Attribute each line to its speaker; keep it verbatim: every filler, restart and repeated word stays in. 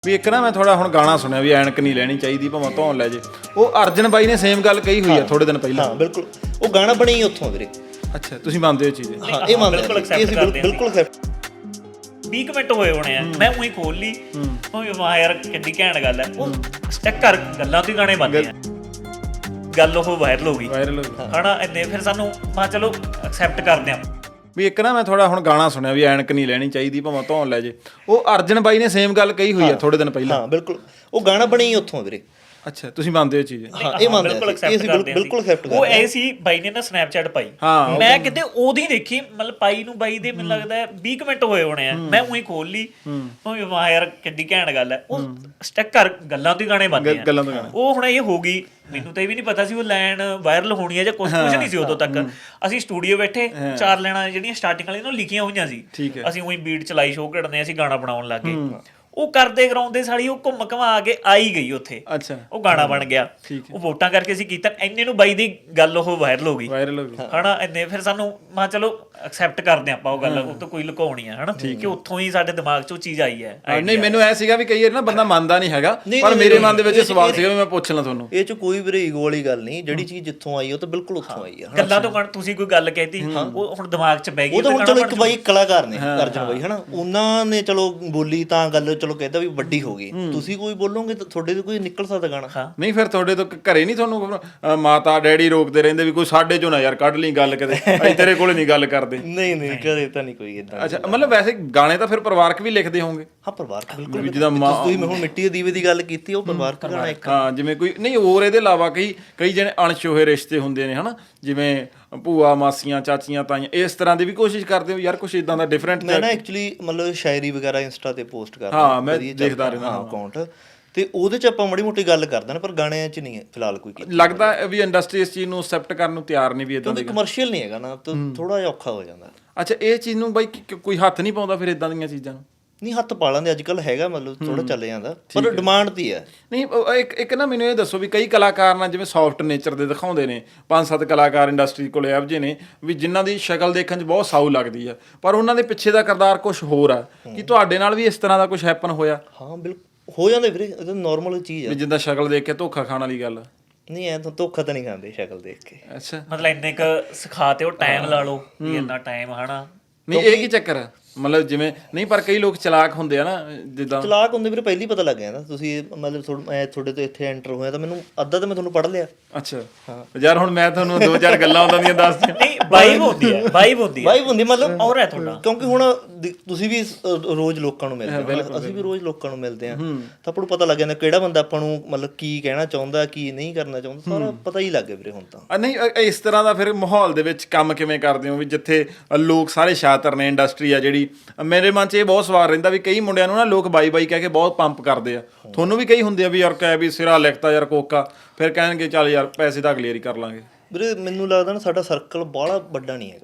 Speaker 1: ਵੀ ਇੱਕ ਨਾ ਮੈਂ ਥੋੜਾ ਹੁਣ ਗਾਣਾ ਸੁਣਿਆ ਵੀ ਐਨਕ ਨਹੀਂ ਲੈਣੀ ਚਾਹੀਦੀ ਭਾਵੇਂ ਧੌਣ ਲੈ ਜੇ। ਉਹ ਅਰਜਨ ਬਾਈ ਨੇ ਸੇਮ ਗੱਲ ਕਹੀ ਹੋਈ ਆ ਥੋੜੇ ਦਿਨ ਪਹਿਲਾਂ।
Speaker 2: ਹਾਂ ਬਿਲਕੁਲ, ਉਹ ਗਾਣਾ ਬਣਿਆ ਹੀ ਉੱਥੋਂ ਵੀਰੇ।
Speaker 1: ਅੱਛਾ, ਤੁਸੀਂ ਮੰਨਦੇ ਹੋ ਚੀਜ਼?
Speaker 2: ਹਾਂ ਇਹ ਮੰਨਦੇ ਹਾਂ, ਇਹ ਅਸੀਂ ਬਿਲਕੁਲ ਐਕਸੈਪਟ।
Speaker 3: ਵੀਹ ਕੁ ਮਿੰਟ ਹੋਏ ਹੋਣੇ ਆ, ਮੈਂ ਉਹੀ ਖੋਲ ਲਈ, ਉਹ ਵਾਹ ਯਾਰ ਕਿੰਨੀ ਘੈਂਟ ਗੱਲ ਹੈ। ਉਹ ਸਟੈਕ ਕਰ ਗੱਲਾਂ ਤੋਂ ਗਾਣੇ ਬਣਦੇ ਆ, ਗੱਲ ਉਹ ਵਾਇਰਲ ਹੋ ਗਈ
Speaker 1: ਵਾਇਰਲ ਹੋ ਗਈ
Speaker 3: ਹਨਾ। ਇੰਨੇ ਫਿਰ ਸਾਨੂੰ ਮੈਂ ਚਲੋ ਐਕਸੈਪਟ ਕਰਦੇ ਆ
Speaker 1: ਵੀ ਇੱਕ ਨਾ ਮੈਂ ਥੋੜਾ ਹੁਣ ਗਾਣਾ ਸੁਣਿਆ ਵੀ ਐਨਕ ਨਹੀਂ ਲੈਣੀ ਚਾਹੀਦੀ ਭਾਵੇਂ ਧੌਣ ਲੈ ਜੇ। ਉਹ ਅਰਜਨ ਬਾਈ ਨੇ ਸੇਮ ਗੱਲ ਕਹੀ ਹੋਈ ਆ ਥੋੜੇ ਦਿਨ ਪਹਿਲਾਂ।
Speaker 2: ਹਾਂ ਬਿਲਕੁਲ, ਉਹ ਗਾਣਾ ਬਣਿਆ ਹੀ ਉੱਥੋਂ ਵੀਰੇ।
Speaker 1: ਅੱਛਾ, ਤੁਸੀਂ ਮੰਨਦੇ ਹੋ ਚੀਜ਼?
Speaker 2: ਹਾਂ ਇਹ ਮੰਨਦੇ ਹਾਂ, ਇਹ ਅਸੀਂ ਬਿਲਕੁਲ ਐਕਸੈਪਟ ਕਰਦੇ।
Speaker 3: ਉਹ ਐ ਸੀ ਬਾਈ ਨੇ ਨਾ ਸਨੈਪਚੈਟ ਪਾਈ, ਮੈਂ ਕਿਤੇ ਉਹਦੀ ਦੇਖੀ, ਮਤਲਬ ਪਾਈ ਨੂੰ ਬਾਈ ਦੇ ਮੈਨੂੰ ਲੱਗਦਾ ਵੀਹ ਕੁ ਮਿੰਟ ਹੋਏ ਹੋਣੇ ਆ, ਮੈਂ ਉਹੀ ਖੋਲ ਲਈ, ਉਹ ਵਾਹ ਯਾਰ ਕਿੰਨੀ ਘੈਂਟ ਗੱਲ ਹੈ। ਉਹ ਸਟੈਕ ਕਰ ਗੱਲਾਂ ਤੋਂ ਗਾਣੇ ਬਣਦੇ ਆ,
Speaker 1: ਗੱਲਾਂ ਤੋਂ ਗਾਣੇ।
Speaker 3: ਉਹ ਹੁਣ ਇਹ ਹੋ ਗਈ, ਮੈਨੂੰ ਤਾਂ ਇਹ ਵੀ ਨਹੀਂ ਪਤਾ ਸੀ ਉਹ ਲਾਈਨ ਵਾਇਰਲ ਹੋਣੀ ਹੈ ਜਾਂ ਕੁਛ ਕੁਛ ਨਹੀਂ ਸੀ ਉਦੋਂ ਤੱਕ। ਅਸੀਂ ਸਟੂਡੀਓ ਬੈਠੇ, ਚਾਰ ਲਾਈਨਾਂ ਜਿਹੜੀਆਂ ਸਟਾਰਟਿੰਗ ਵਾਲੀਆਂ ਨੂੰ ਲਿਖੀਆਂ ਹੋਈਆਂ ਸੀ, ਅਸੀਂ ਉਹੀ ਬੀਟ ਚਲਾਈ, ਸ਼ੋਅ ਕੱਢਦੇ, ਅਸੀਂ ਗਾਣਾ ਬਣਾਉਣ ਲੱਗ ਗਏ। ਉਹ ਕਰਦੇ ਕਰਾਉਂਦੇ ਸਾਲੀ ਉਹ ਘੁੰਮ ਘਮਾ ਕੇ ਆਈ ਗਈ ਉੱਥੇ। ਅੱਛਾ, ਉਹ ਗਾਣਾ ਬਣ ਗਿਆ। ਉਹ ਵੋਟਾਂ ਕਰਕੇ ਅਸੀਂ ਕੀਤਾ, ਇੰਨੇ ਨੂੰ ਬਾਈ ਦੀ ਗੱਲ ਉਹ ਵਾਇਰਲ ਹੋ ਗਈ
Speaker 1: ਵਾਇਰਲ ਹੋ ਗਈ
Speaker 3: ਹਨਾ। ਇੰਨੇ ਫਿਰ ਸਾਨੂੰ ਮੈਂ ਚਲੋ ਐਕਸੈਪਟ ਕਰਦੇ ਆਪਾਂ ਉਹ ਗੱਲ, ਉਹ ਤੋਂ ਕੋਈ ਲੁਕਾਉਣੀ ਆ ਹਨਾ, ਕਿ ਉੱਥੋਂ ਹੀ ਸਾਡੇ ਦਿਮਾਗ 'ਚ ਉਹ ਚੀਜ਼ ਆਈ ਹੈ।
Speaker 1: ਨਹੀਂ, ਮੈਨੂੰ ਐ ਸੀਗਾ ਵੀ ਕਈ ਵਾਰ ਨਾ ਬੰਦਾ ਮੰਨਦਾ ਨਹੀਂ ਹੈਗਾ, ਪਰ ਮੇਰੇ ਮਨ ਦੇ ਵਿੱਚ ਸਵਾਲ ਸੀਗਾ ਵੀ ਮੈਂ ਪੁੱਛ ਲਾਂ ਤੁਹਾਨੂੰ।
Speaker 2: ਇਹ 'ਚ ਕੋਈ ਵੀਰੇ ਈਗੋ ਵਾਲੀ ਗੱਲ ਨਹੀਂ, ਜਿਹੜੀ ਚੀਜ਼ ਜਿੱਥੋਂ ਆਈ ਉਹ ਤਾਂ ਬਿਲਕੁਲ ਉੱਥੋਂ ਆਈ ਆ।
Speaker 3: ਗੱਲਾਂ ਤੋਂ ਤੁਸੀਂ ਕੋਈ ਗੱਲ ਕਹਿਤੀ, ਉਹ ਹੁਣ ਦਿਮਾਗ 'ਚ ਬਹਿ ਗਈ।
Speaker 2: ਉਹ ਤਾਂ ਹੁਣ ਚਲੋ ਇੱਕ ਬਾਈ ਕਲਾਕਾਰ ਨੇ, ਅਰਜਨ ਬਾਈ ਹਨਾ, ਉਹਨਾਂ ਨੇ ਚਲੋ ਬੋਲੀ ਤਾਂ ਗੱਲ ਚਲੋ ਕਹਿੰਦਾ ਵੀ ਵੱਡੀ ਹੋ ਗਈ। ਤੁਸੀਂ ਕੋਈ ਬੋਲੋਗੇ ਤਾਂ ਤੁਹਾਡੇ ਤੋਂ ਕੋਈ ਨਿਕਲ ਸਕਦਾ ਗਾਣਾ।
Speaker 1: ਨਹੀਂ ਫਿਰ ਤੁਹਾਡੇ ਤੋਂ ਘਰੇ ਨਹੀਂ ਤੁਹਾਨੂੰ ਮਾਤਾ ਡੈਡੀ ਰੋਕਦੇ ਰਹਿੰਦੇ ਵੀ ਕੋਈ ਸਾਡੇ ਚੋਂ ਨਾ ਯਾਰ ਕੱਢ ਲਈ ਗੱਲ, ਕਿਤੇ ਅਸੀਂ ਤੇਰੇ ਕੋਲ ਨਹੀਂ ਗੱਲ ਕਰਦੇ?
Speaker 2: ਨਹੀਂ ਨਹੀਂ ਘਰੇ ਤਾਂ ਨਹੀਂ ਕੋਈ ਏਦਾਂ।
Speaker 1: ਅੱਛਾ, ਮਤਲਬ ਵੈਸੇ ਗਾਣੇ ਤਾਂ ਫਿਰ ਪਰਿਵਾਰਕ ਵੀ ਲਿਖਦੇ ਹੋਵੋਗੇ?
Speaker 2: ਹਾਂ ਪਰਿਵਾਰਕ ਬਿਲਕੁਲ, ਜਿੱਦਾਂ ਤੁਸੀਂ ਹੁਣ ਮਿੱਟੀ ਦੇ ਦੀਵੇ ਦੀ ਗੱਲ ਕੀਤੀ, ਉਹ ਪਰਿਵਾਰਕ ਗਾਣਾ ਇੱਕ।
Speaker 1: ਹਾਂ, ਜਿਵੇਂ ਕੋਈ ਨਹੀਂ ਹੋਰ ਇਹਦੇ ਇਲਾਵਾ ਕਈ ਕਈ ਜਿਹੜੇ ਅਣਛੋਹੇ ਰਿਸ਼ਤੇ ਹੁੰਦੇ ਨੇ ਹਨਾ, ਜਿਵੇਂ ਭੂਆ ਮਾਸੀਆਂ ਚਾਚੀਆਂ ਤਾਈਆਂ, ਇਸ ਤਰ੍ਹਾਂ ਦੀ ਵੀ ਕੋਸ਼ਿਸ਼ ਕਰਦੇ ਹੋ ਯਾਰ ਕੁਛ ਇਦਾਂ ਦਾ ਡਿਫਰੈਂਟ?
Speaker 2: ਮੈਂ ਨਾ ਐਕਚੁਅਲੀ ਮਤਲਬ ਸ਼ਾਇਰੀ ਵਗੈਰਾ ਇੰਸਟਾ ਤੇ ਪੋਸਟ ਕਰਦਾ।
Speaker 1: ਹਾਂ ਮੈਂ ਦੇਖਦਾ ਰਹਿੰਦਾ
Speaker 2: ਹਾਂ ਅਕਾਊਂਟ, ਤੇ ਉਹਦੇ 'ਚ ਆਪਾਂ ਮਾੜੀ ਮੋਟੀ ਗੱਲ ਕਰਦੇ ਨੇ, ਪਰ ਗਾਣਿਆਂ 'ਚ ਨਹੀਂ ਫਿਲਹਾਲ ਕੋਈ ਕੀਤੀ।
Speaker 1: ਲੱਗਦਾ ਵੀ ਇੰਡਸਟਰੀ ਇਸ ਚੀਜ਼ ਨੂੰ ਐਕਸੈਪਟ ਕਰਨ ਨੂੰ ਤਿਆਰ ਨਹੀਂ ਵੀ ਇਦਾਂ
Speaker 2: ਕਿਉਂਕਿ ਕਮਰਸ਼ੀਅਲ ਨਹੀਂ ਹੈਗਾ ਨਾ, ਤਾਂ ਥੋੜਾ ਜਿਹਾ ਔਖਾ ਹੋ ਜਾਂਦਾ।
Speaker 1: ਅੱਛਾ, ਇਹ ਚੀਜ਼ ਨੂੰ ਬਾਈ ਕੋਈ ਹੱਥ ਨਹੀਂ ਪਾਉਂਦਾ ਫਿਰ ਇਦਾਂ ਦੀਆਂ ਚੀਜ਼ਾਂ ਨੂੰ?
Speaker 2: ਨਹੀਂ ਹੱਥ ਪਾ ਲੈਂਦੇ ਅੱਜ ਕੱਲ੍ਹ, ਹੈਗਾ ਮਤਲਬ ਥੋੜਾ ਚੱਲ ਜਾਂਦਾ, ਪਰ ਡਿਮਾਂਡ ਦੀ ਹੈ।
Speaker 1: ਨਹੀਂ ਇੱਕ ਇੱਕ ਨਾ ਮੈਨੂੰ ਇਹ ਦੱਸੋ ਵੀ ਕਈ ਕਲਾਕਾਰ ਨਾਲ ਜਿਵੇਂ ਸੌਫਟ ਨੇਚਰ ਦੇ ਦਿਖਾਉਂਦੇ ਨੇ, ਪੰਜ ਸੱਤ ਕਲਾਕਾਰ ਇੰਡਸਟਰੀ ਕੋਲ ਇਹੋ ਜਿਹੇ ਨੇ ਵੀ ਜਿਨ੍ਹਾਂ ਦੀ ਸ਼ਕਲ ਦੇਖਣ 'ਚ ਬਹੁਤ ਸਾਊ ਲੱਗਦੀ ਆ, ਪਰ ਉਹਨਾਂ ਦੇ ਪਿੱਛੇ ਦਾ ਕਿਰਦਾਰ ਕੁਛ ਹੋਰ ਆ। ਕੀ ਤੁਹਾਡੇ ਨਾਲ ਵੀ ਇਸ ਤਰ੍ਹਾਂ ਦਾ ਕੁਛ ਹੈਪਨ ਹੋਇਆ?
Speaker 2: ਹਾਂ ਬਿਲਕੁਲ ਹੋ ਜਾਂਦੇ ਵੀਰੇ, ਇਹ ਤਾਂ ਨੋਰਮਲ ਚੀਜ਼ ਆ।
Speaker 1: ਜਿੱਦਾਂ ਸ਼ਕਲ ਦੇਖ ਕੇ ਧੋਖਾ ਖਾਣ ਵਾਲੀ ਗੱਲ?
Speaker 2: ਨਹੀਂ ਐ ਤਾਂ ਧੋਖਾ ਤਾਂ ਨਹੀਂ ਖਾਂਦੇ ਸ਼ਕਲ ਦੇਖ ਕੇ।
Speaker 1: ਅੱਛਾ,
Speaker 3: ਮਤਲਬ ਇੰਨੇ ਕੁ ਸਿਖਾ ਤੇ ਉਹ ਟਾਈਮ ਲਾ ਲਓ ਵੀ ਇੰਨਾ ਟਾਈਮ ਹਨਾ।
Speaker 1: ਨਹੀਂ ਇਹ ਕੀ ਚੱਕਰ ਆ? ਮਤਲਬ ਜਿਵੇਂ ਨਹੀਂ, ਪਰ ਕਈ ਲੋਕ ਚਲਾਕ ਹੁੰਦੇ ਆ ਨਾ, ਜਿੱਦਾਂ
Speaker 2: ਚਲਾਕ ਹੁੰਦੇ ਵੀਰੇ ਪਹਿਲੀ ਪਤਾ ਲੱਗ ਜਾਂਦਾ। ਤੁਸੀਂ ਮਤਲਬ ਮੈਂ ਤੁਹਾਡੇ ਤੋਂ ਇੱਥੇ ਐਂਟਰ ਹੋਇਆ ਤਾਂ ਮੈਨੂੰ ਅੱਧਾ ਤਾਂ ਮੈਂ ਤੁਹਾਨੂੰ ਪੜ੍ਹ ਲਿਆ।
Speaker 1: ਅੱਛਾ ਯਾਰ, ਹੁਣ ਮੈਂ ਤੁਹਾਨੂੰ ਦੋ ਚਾਰ ਗੱਲਾਂ ਉਹਨਾਂ ਦੀਆਂ ਦੱਸ ਦਿਆਂ।
Speaker 3: ਨਹੀਂ ਵਾਈਬ ਹੁੰਦੀ ਹੈ, ਵਾਈਬ ਹੁੰਦੀ ਹੈ,
Speaker 2: ਵਾਈਬ ਹੁੰਦੀ ਮਤਲਬ
Speaker 3: ਔਰ ਹੈ ਤੁਹਾਡਾ।
Speaker 2: ਕਿਉਂਕਿ ਹੁਣ ਤੁਸੀਂ ਵੀ ਰੋਜ਼ ਲੋਕਾਂ ਨੂੰ ਮਿਲਦੇ ਹੋ, ਅਸੀਂ ਵੀ ਰੋਜ਼ ਲੋਕਾਂ ਨੂੰ ਮਿਲਦੇ ਹਾਂ, ਤਾਂ ਆਪਾਂ ਨੂੰ ਪਤਾ ਲੱਗ ਜਾਂਦਾ ਕਿਹੜਾ ਬੰਦਾ ਆਪਾਂ ਨੂੰ ਮਤਲਬ ਕੀ ਕਹਿਣਾ ਚਾਹੁੰਦਾ, ਕੀ ਨਹੀਂ ਕਰਨਾ ਚਾਹੁੰਦਾ, ਸਾਰਾ ਪਤਾ ਹੀ ਲੱਗ ਗਿਆ ਵੀਰੇ ਹੁਣ ਤਾਂ।
Speaker 1: ਨਹੀਂ ਇਸ ਤਰ੍ਹਾਂ ਦਾ ਫਿਰ ਮਾਹੌਲ ਦੇ ਵਿੱਚ ਕੰਮ ਕਿਵੇਂ ਕਰਦੇ ਹੋ ਵੀ ਜਿੱਥੇ ਲੋਕ ਸਾਰੇ ਸ਼ਾਤਰ ਨੇ, ਇੰਡਸਟਰੀ ਆ ਜਿਹੜੀ? ਮੇਰੇ ਮਨ 'ਚ ਇਹ ਬਹੁਤ ਸਵਾਲ ਰਹਿੰਦਾ ਵੀ ਕਈ ਮੁੰਡਿਆਂ ਨੂੰ ਨਾ ਲੋਕ ਬਾਈ ਬਾਈ ਕਹਿ ਕੇ ਬਹੁਤ ਪੰਪ ਕਰਦੇ ਆ, ਤੁਹਾਨੂੰ ਵੀ ਕਈ ਹੁੰਦੇ ਆ ਵੀ ਯਾਰ ਕਹਿ ਵੀ ਸਿਰਾ ਲਿਖਤਾ ਯਾਰ ਕੋਕਾ, ਫਿਰ ਕਹਿਣਗੇ ਚੱਲ ਯਾਰ ਪੈਸੇ ਤਾਂ ਅਗਲੀ ਵਾਰੀ ਕਰ ਲਾਂਗੇ?
Speaker 2: ਵੀਰੇ ਮੈਨੂੰ ਲੱਗਦਾ ਨਾ ਸਾਡਾ ਸਰਕਲ ਬਾਹਲਾ ਵੱਡਾ ਨਹੀਂ ਹੈਗਾ।